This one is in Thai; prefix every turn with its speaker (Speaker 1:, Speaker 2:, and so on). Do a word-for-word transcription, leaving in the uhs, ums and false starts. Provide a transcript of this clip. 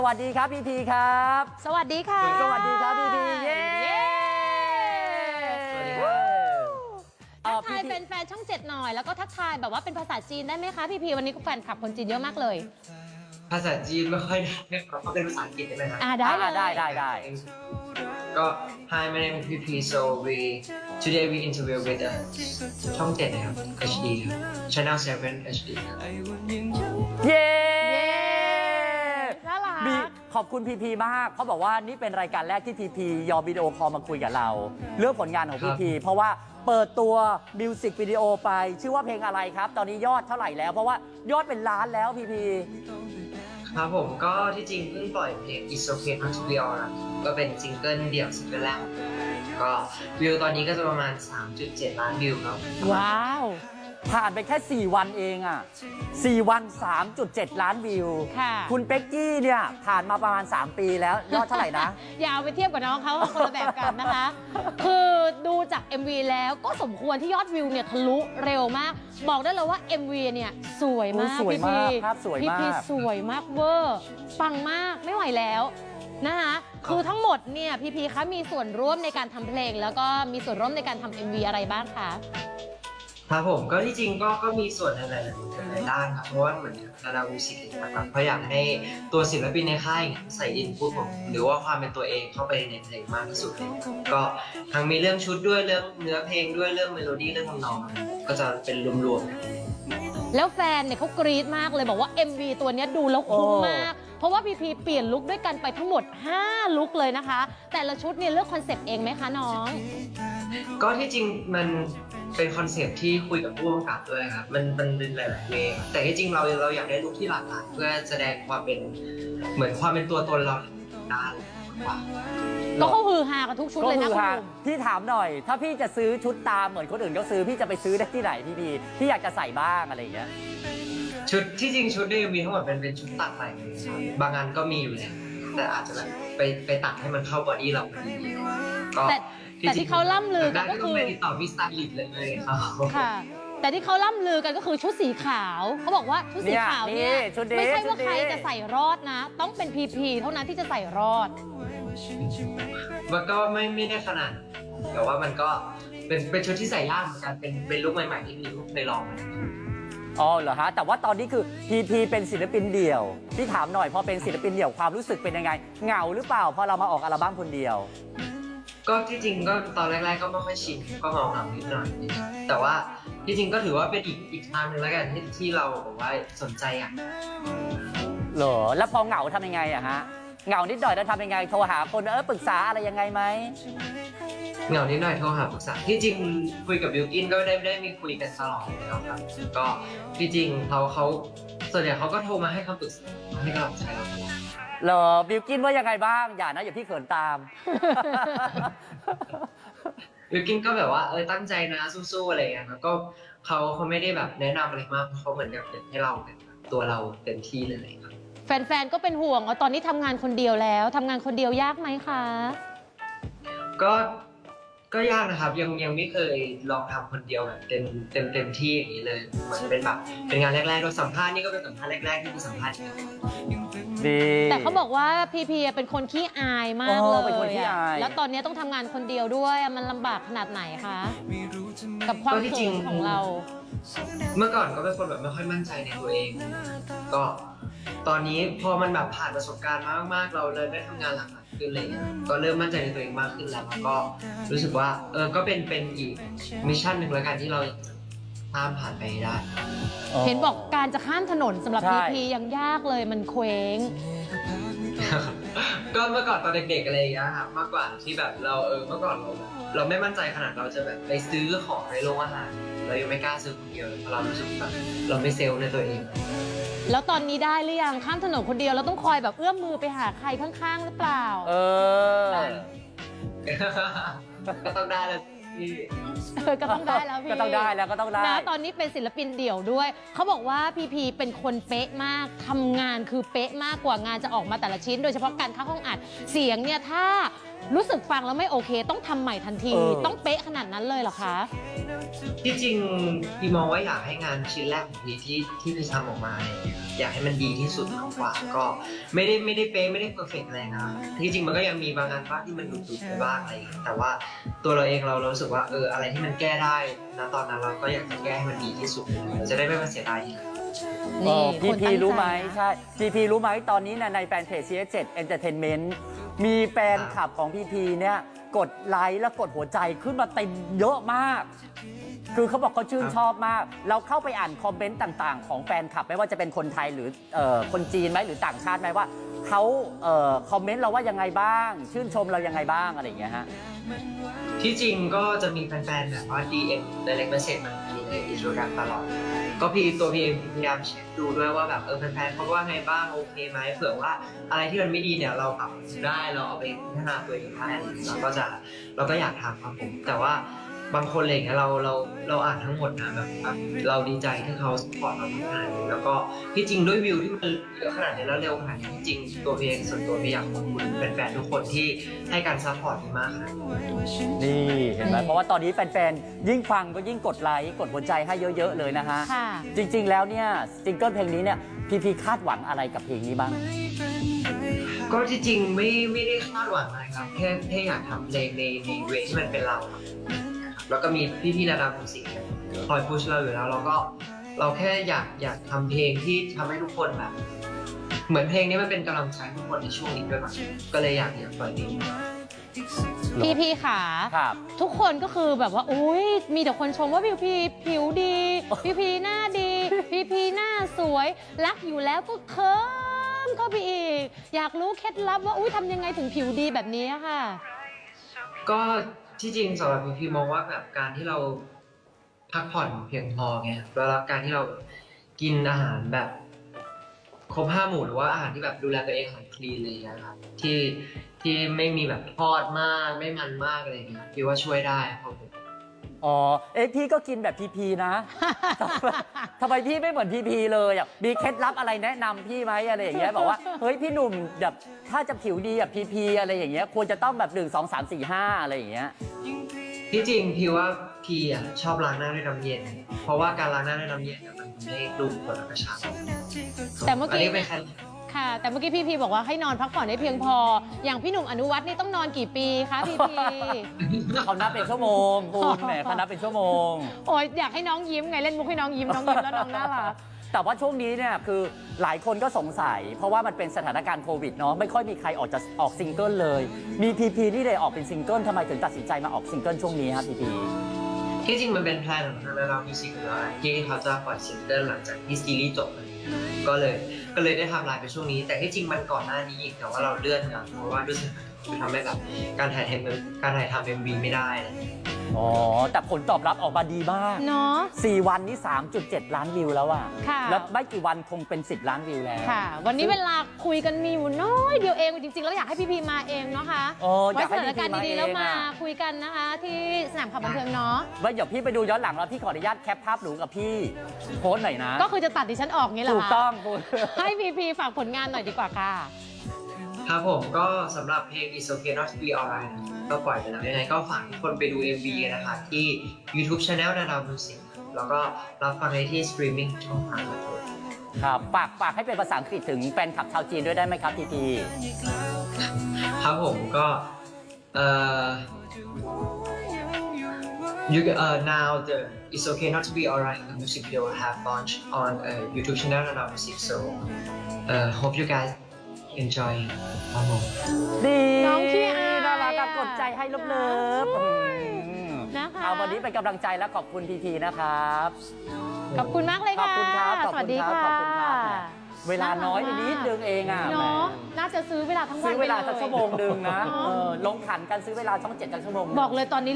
Speaker 1: สวัสดีครับพีพีครับ
Speaker 2: สวัสดีค่ะ
Speaker 1: สวัสดีครับพีพีเย้
Speaker 2: สวัสดีครับทักทายเป็นแฟนช่องเจ็ดหน่อยแล้วก็ทักทายแบบว่าเป็นภาษาจีนได้ไหมคะพี่พีวันนี้แฟนคลับคนจีนเยอะมากเลย
Speaker 3: ภาษาจีนไม่ค่อยได้เขาเป็นภาษาอังกฤษได้ไหมครับ
Speaker 2: อ่าได้เลย
Speaker 1: ได้ได้ได้
Speaker 3: ก็ Hi my name is พี พี so we today we interview with uh, ช่องเจ็ดนะครับ เอช ดี ครับ Channel เซเว่น เอช ดี ครับ
Speaker 1: เย้
Speaker 2: น่ารัก
Speaker 1: มีขอบคุณพีพีมากเขาบอกว่านี่เป็นรายการแรกที่พีพียอมวิดีโอคอลมาคุยกับเรา เรื่องผลงานของพีพีเพราะว่าเปิดตัวมิวสิกวิดีโอไปชื่อว่าเพลงอะไรครับ ตอนนี้ยอดเท่าไหร่แล้วเพราะว่ายอดเป็นล้านแล้วพีพี
Speaker 3: ครับผมก็ที่จริงเพิ่งปล่อยเพลง It's Okay Not to Be Alright ก็เป็นซิงเกิลเดี่ยวซิงเกิลแรกก็วิวตอนนี้ก็จะประมาณ สามจุดเจ็ด ล้านวิวครับ
Speaker 2: ว้าว
Speaker 1: ผ่านไปแค่สี่วันเองอ่ะสี่วัน สามจุดเจ็ด ล้านวิว
Speaker 2: ค่ะ
Speaker 1: คุณเป็กกี้เนี่ยผ่านมาประมาณสามปีแล้วยอดเท่าไหร่นะ
Speaker 2: อย่าเอาไปเทียบกับน้องเขาคนละแบบกันนะคะ คือดูจาก เอ็ม วี แล้วก็สมควรที่ยอดวิวเนี่ยทะลุเร็วมากบอกได้เลยว่า เอ็ม วี เนี่ยสวยมาก
Speaker 1: สวยมากภาพสวยมาก
Speaker 2: พี่พีสวยมากเวอร์ปังมากไม่ไหวแล้วนะคะคือทั้งหมดเนี่ยพี่พีคะมีส่วนร่วมในการทำเพลงแล้วก็มีส่วนร่วมในการทำ เอ็ม วี อะไรบ้างคะ
Speaker 3: ครับผมก็ที่จริงก็ก็มีส่วนในหลายหลายด้านครับเพราะว่าเหมือนนาดาวิสิกนะครับเพราะอยากให้ตัวศิลปินในค่ายใส่อินพุตของหรือว่าความเป็นตัวเองเข้าไปในเพลงมากที่สุดเลยก็ทั้งมีเรื่องชุดด้วยเรื่องเนื้อเพลงด้วยเรื่องเมโลดี้เรื่องทำนองก็จะเป็นรวมๆ
Speaker 2: แล้วแฟนเนี่ยเขากรี๊ดมากเลยบอกว่า เอ็ม วี ตัวนี้ดูแล้วคุ้มมากเพราะว่าพีพีเปลี่ยนลุคด้วยกันไปทั้งหมดห้าลุคเลยนะคะแต่ละชุดเนี่ยเลือกคอนเซ็ปต์เองไหมคะน้อง
Speaker 3: ก็ที่จริงมันเป็นคอนเซปต์ที่คุยกับผู้กำกับด้วยครับมันมันเป็นหลายๆเวย์แต่ที่จริงเราเราอยากได้ลุคที่หลากหลายเพื่อแสดงความเป็นเหมือนความเป็นตัวตนเราได้กว่า
Speaker 2: ก็เขาฮือฮากันทุกชุดเลยนะคุณ
Speaker 1: พี่ถามหน่อยถ้าพี่จะซื้อชุดตามเหมือนคนอื่นเขาซื้อพี่จะไปซื้อได้ที่ไหนพี่พีพี่อยากจะใส่บ้างอะไรอย่างเงี้ย
Speaker 3: ชุดที่จริงชุดเนี่ยมีทั้งหมดเป็นเป็นชุดตัดใหม่บางอันก็มีอยู่แล้วแต่อาจจะแบบไปไปตัดให้มันเข้าบอดี้เราพอดีก็
Speaker 2: แต่ที่เขาล่ำลือกันก็คือ
Speaker 3: ไปติดต่อพี่สไตลิสต์เลยครับ
Speaker 2: ค่ะแต่ที่เขาล่ำลือกันก็คือชุดสีขาวเขาบอกว่าชุดสีขาวเนี่ยไม่ใช่ว่าใครจะใส่รอดนะต้องเป็นพีพีเท่านั้นที่จะใส่รอด
Speaker 3: มันก็ไม่ไม่ได้ขนาดแต่ว่ามันก็เป็นเป็นชุดที่ใส่ยากเหมือนกันเป็นเป็นลุคใหม่ๆที่มีลุคในลอง
Speaker 1: อ๋อเหรอฮะแต่ว่าตอนนี้คือพีพีเป็นศิลปินเดี่ยวพี่ถามหน่อยพอเป็นศิลปินเดี่ยวความรู้สึกเป็นยังไงเหงาหรือเปล่าพอเรามาออกอัลบั้มคนเดียว
Speaker 3: ก็ที่จริงก็ตอนแรกๆก็ไม่ค่อยชินก็เหงาเหงานิดหน่อยแต่ว่าที่จริงก็ถือว่าเป็นอีกอีกทางหนึ่งแล้วกันที่ที่เราบอกว่าสนใจอ่ะ
Speaker 1: เหรอแล้วพอเหงาทำยังไงอะฮะเหงานิดหน่อยแล้วทำยังไงโทรหาคนเออปรึกษาอะไรยังไงไหม
Speaker 3: เหงานิดหน่อยโทรหาปรึกษาที่จริงคุยกับบิวกินก็ได้ได้มีคุยกันตลอดแล้วครับก็ที่จริงเขาเขาส่วนใหญ่เขาก็โทรมาให้คำปรึกษาให้กำลังใจเรา
Speaker 1: เหรอบิวกินว่ายังไงบ้างอย่านะอย่าพี่เขินตาม
Speaker 3: บิวกินก็แบบว่าเออตั้งใจนะสู้ๆอะไรอย่างเงี้ยแล้วก็เขาเขาไม่ได้แบบแนะนำอะไรมากเขาเหมือนกับให้เราตัวเราเต็มที่เลยครับ
Speaker 2: แฟนๆก็เป็นห่วงว่าตอนนี้ทำงานคนเดียวแล้วทำงานคนเดียวยากไหมคะ
Speaker 3: ก็ก็ยากนะครับยังยังไม่เคยลองทำคนเดียวแบบเต็มเต็มเต็มที่อย่างนี้เลยเหมือนเป็นแบบเป็นงานแรกๆเราสัมภาษณ์นี่ก็เป็นสัมภาษณ์แรกๆที่มีสัมภาษณ์
Speaker 2: แต่เขาบอกว่าพีพีเป็นคนขี้อายมากเลยแล้วตอนนี้ต้องทำงานคนเดียวด้วยมันลำบากขนาดไหนคะกับความเขินของเรา
Speaker 3: เมื่อก่อนก็เป็นคนแบบไม่ค่อยมั่นใจในตัวเองก็ตอนนี้พอมันแบบผ่านประสบการณ์มามากๆเราเลยได้ทำงานหลากหลายขึ้นอะไรเงี้ยก็เริ่มมั่นใจในตัวเองมากขึ้นแล้วแล้วก็รู้สึกว่าเออก็เป็นเป็นอีกมิชชั่นหนึ่งแล้วกันที่เราข้ามผ่านไปได้
Speaker 2: เห็นบอกการจะข้ามถนนสำหรับพีพียังยากเลยมันเคว้ง
Speaker 3: ก็เมื่อก่อนตอนเด็กๆอะไรอย่างเงี้ยครับมากกว่าที่แบบเราเออเมื่อก่อนเราเราไม่มั่นใจขนาดเราจะแบบไปซื้อของในโรงอาหารเรายังไม่กล้าซื้อคนเดียวเพราะเรารู้สึกแบบเราไม่เซลล์ในตัวเอง
Speaker 2: แล้วตอนนี้ได้หรือยังข้ามถนนคนเดียวเราต้องคอยแบบเอื้อมมือไปหาใครข้างๆหรือเปล่า
Speaker 1: เออ
Speaker 3: ก็ต้องได้แล้วพี่
Speaker 2: ก็ต้องได้แล้วพี่
Speaker 1: ก็ต้องได้แล้วก็ต้องได้
Speaker 2: นะตอนนี้เป็นศิลปินเดี่ยวด้วยเขาบอกว่าพีพีเป็นคนเป๊ะมากทำงานคือเป๊ะมากกว่างานจะออกมาแต่ละชิ้นโดยเฉพาะการเข้าห้องอัดเสียงเนี่ยถ้ารู้สึกฟังแล้วไม่โอเค ต้องทำใหม่ทันที
Speaker 1: เออ
Speaker 2: ต้องเป๊ะขนาดนั้นเลยเหรอคะ
Speaker 3: ที่จริงพี่มองว่าอยากให้งานชิ้นแรกของพี่ที่ที่พี่ทำออกมาเนี่ยอยากให้มันดีที่สุดมากกว่าก็ไม่ได้ไม่ได้เป๊ะไม่ได้เพอร์เฟกต์อะไรนะที่จริงมันก็ยังมีบางงานบ้างที่มันหลุดๆไปบ้างอะไรอย่างเงี้ยแต่ว่าตัวเราเองเรารู้สึกว่าเอออะไรที่มันแก้ได้นะตอนนั้นเราก็อยากจะแก้ให้มันดีที่สุดจะได้ไม่มาเสียดายทีหลัง
Speaker 1: เออพี
Speaker 2: คน
Speaker 1: พี
Speaker 2: ตั้งใจ
Speaker 1: รู้ไหม
Speaker 2: นะ
Speaker 1: ใช่พีพีรู้ไหมตอนนี้เนยในแฟนเพจ ซี เอส เจ็ด Entertainment มีแฟนคลับของพีพีเนี่ยกดไลค์และกดหัวใจขึ้นมาเต็มเยอะมาก คือเขาบอกเขาชื่นชอบมาก เราเข้าไปอ่านคอมเมนต์ต่างๆ ของแฟนคลับไม่ว่าจะเป็นคนไทยหรือเอ่อคนจีนไหมหรือต่างชาติไหมว่าเขาเอ่อคอมเมนต์เราว่ายังไงบ้าง ชื่นชมเรายังไงบ้างอะไรอย่างเงี้ยฮะ
Speaker 3: ที่จริงก็จะมีแฟนๆแบบว่า ดี เอ็ม direct message มาที่ในอินสตาแกรมตลอด ก็พี่ตัวพี่เองพยายามเช็คดูด้วยว่าแบบเออแฟนๆเขาว่าไงบ้างโอเคไหมเผื่อว่าอะไรที่มันไม่ดีเนี่ยเราปรับได้เราเอาไปพัฒนาตัวเองได้อะไรอย่างเงี้ยเราก็จะเราก็อยากทำครับผมแต่ว่าบางคนอะไรอย่างเงี้ยเราเราเราอ่านทั้งหมดนะแบบแบบเราดีใจที่เขาสปอร์ตเราขนาดนี้แล้วก็ที่จริงด้วยวิวที่มันเยอะขนาดนี้แล้วเร็วขนาดนี้ที่จริงตัวพี่เองส่วนตัวพี่อยากขอบคุณแฟนๆทุกคนที่ให้การซัพพอร์ตดีมากครับ
Speaker 1: นี่เห็นไหมเพราะว่าตอนนี้แฟนๆ ยิ่งฟังก็ยิ่งกดไลค์กดหัวใจให้เยอะๆเลยนะฮะ
Speaker 2: ค่ะ
Speaker 1: จริงๆ แล้วเนี่ยซิงเกิลเพลงนี้เนี่ยพีพีคาดหวังอะไรกับเพลงนี้บ้าง
Speaker 3: ก็ที่จริงไม่ไม่ได้คาดหวังอะไรครับแค่แค่อยากทำเพลงในในเวที่มันเป็นเราครับแล้วก็มีพี่ๆระดับมิวสิกคอยพุชเราอยู่แล้วเราก็เราแค่อยากอยากทำเพลงที่ทำให้ทุกคนแบบ เหมือนเพลงนี้มันเป็นกำลังใจให้ทุกคนในช่วงนี้ด้วยมั้งก็เลยอยากอยากปล่อยเพลงนี้
Speaker 2: พี่พีขา
Speaker 1: ครับ
Speaker 2: ทุกคนก็คือแบบว่าอุ้ยมีแต่คนชมว่าพี่พีผิวดี พี่พีหน้าดี พี่พีหน้าสวย รักอยู่แล้วก็เคิมเข้าไปอีก อยากรู้เคล็ดลับว่าอุ้ยทำยังไงถึงผิวดีแบบนี้อะค่ะ
Speaker 3: ก็ที่จริงสำหรับพี่พี่มองว่าแบบการที่เราพักผ่อนเพียงพอไงแล้วการที่เรากินอาหารแบบครบห้าหมู่หรือว่าอาหารที่แบบดูแลตัวเองอาหารคลีนอะไรอย่างเงี้ยครับที่ที่ไม่มีแบบทอดมากไม่มันมากอะไรอย่างเงี้ยพี่ว่าช่วยได้ครับผม
Speaker 1: อ๋อ เอ๊ะพี่ก็กินแบบพีพีนะ ทำไมพี่ไม่เหมือนพีพีเลยอ่ะมีเคล็ดลับอะไรแนะนำพี่ไหมอะไรอย่างเงี้ยบอกว่าเฮ้ยพี่หนุ่มแบบถ้าจะผิวดีแบบพีพีอะไรอย่างเงี้ยควรจะต้องแบบหนึ่งสองสามสี่ห้าอะไรอย่างเงี้ย
Speaker 3: ที่จริงพี่ว่าพี่อ่ะชอบล้างหน้าด้วยน้ำเย็น เพราะว่าการล้างหน้าด้วยน้ำเย็นเนี่ยมันทำให้ดูคนกระชับ
Speaker 2: แต่เมื่อกี้
Speaker 3: อันนี้เป็นแค่
Speaker 2: ค่ะ แต่เมื่อกี้พี่พีบอกว่าให้นอนพักผ่อนให้เพียงพอ อย่างพี่หนุ่มอนุวัฒน์นี่ต้องนอนกี่ปีคะพี่พี
Speaker 1: เขานับเป็นชั่วโมงคุณแหมเขานับเป็นชั่วโมง
Speaker 2: โอ้ยอยากให้น้องยิ้มไงเล่นมุกให้น้องยิ้มน้องยิ้มแล้วน้องน่ารัก
Speaker 1: แต่ว่าช่วงนี้เนี่ยคือหลายคนก็สงสัย เพราะว่ามันเป็นสถานการณ์โควิดเนาะไม่ค่อยมีใครออกจะออกซิงเกิลเลย มีพีพีนี่เลยออกเป็นซิงเกิลทำไมถึงตัดสินใจมาออกซิงเกิลช่วงนี้ครับพีพี
Speaker 3: ที่จริงมันเป็นแพลนของทางเรามิวสิกอยู่แล้วแหละที่เขาจะปล่อยซิงเกิลหลังจากที่ซีรีส์จบเลยก็เลยก็เลยได้ทำลายไปช่วงนี้ แต่ที่จริงมันก่อนหน้านี้อีกแต่ว่าเราเลื่อนกันเพราะว่าด้วยสถานการณ์คือทำให้แบบการถ่ายทำการถ่ายทำเอ็มวีไม่ได้อะไรอย่างเงี้ย
Speaker 1: อ๋อ แต่ผลตอบรับออกมาดีมาก
Speaker 2: เนาะ
Speaker 1: สี่วันนี้ สามจุดเจ็ด ล้านวิวแล้วอะ
Speaker 2: ค่ะ
Speaker 1: แล้วไม่กี่วันคงเป็น สิบ ล้านวิวแล้ว
Speaker 2: ค่ะ วันนี้เวลาคุยกันมีอยู่น้อยเดียวเองจริงๆแล้วอยากให้พี่พีมาเองเนาะคะ
Speaker 1: โอ้อ
Speaker 2: ไว้
Speaker 1: ยาก
Speaker 2: ส
Speaker 1: ให้
Speaker 2: ถานการณ์
Speaker 1: พี่พี
Speaker 2: ดีๆแล้ว
Speaker 1: เอง
Speaker 2: มา
Speaker 1: อะ
Speaker 2: คุยกันนะคะ ที่สนามข่าวบันเทิงเนาะ
Speaker 1: ไว้เดี๋ยวพี่ไปดูย้อนหลังแล้วพี่ขออนุญาตแคปภาพหนูกับพี่โพสต์หน่อยนะ
Speaker 2: ก็คือจะตัดดิฉันออกงี้แหละ
Speaker 1: ถูกต้องคุณ
Speaker 2: ให้พีพีฝากผลงานหน่อยดีกว่าค่ะ
Speaker 3: ครับผมก็สำหรับเพลง It's Okay Not to Be Alright ก็ปล่อยไปแล้วยังไงก็ฝากทุกคนไปดู เอ็ม วี นะคะที่ YouTube Channel นาดาวมิวสิกแล้วก็รับฟังได้ที่สตรีมมิ่งช่องทางครับผม
Speaker 1: ครับฝากฝากให้เป็นภาษาอังกฤษถึงแฟนคลับชาวจีนด้วยได้ไหมครับพีพี
Speaker 3: ครับผมก็เอ่อ you uh, now the It's Okay Not to Be Alright the music video will have launched on uh, YouTube channel Nana Music so uh, hope you guys enjoy ครับผม
Speaker 1: ดี
Speaker 2: น้องขี้อาย
Speaker 1: น่ารักอะกดใจให้เลิฟๆ
Speaker 2: โอ้ย
Speaker 1: อืม
Speaker 2: นะคะ
Speaker 1: เอาวันนี้เป็นกำลังใจและขอบคุณพีพีนะครับ
Speaker 2: ขอบคุณมากเลย
Speaker 1: ขอบ
Speaker 2: ค่ะ
Speaker 1: คุณครับขอบ
Speaker 2: สวัส
Speaker 1: คุณ
Speaker 2: ดี
Speaker 1: ครับ
Speaker 2: ค่ะ
Speaker 1: ขอบคุณครับแหมเวลาน้อยไปนิดนึงเองอ่ะ
Speaker 2: เนาะ
Speaker 1: แหม
Speaker 2: น่าจะซื้อเวลาทั้งวัน
Speaker 1: ซื้อเวลา
Speaker 2: ไป
Speaker 1: สัก
Speaker 2: ย
Speaker 1: ชั่วโมงหนึ่งนะเออลงขันกันซื้อเวลาช่องเจ็ดกันชั่วโมงหนึ่ง
Speaker 2: บอกเลยตอนนี้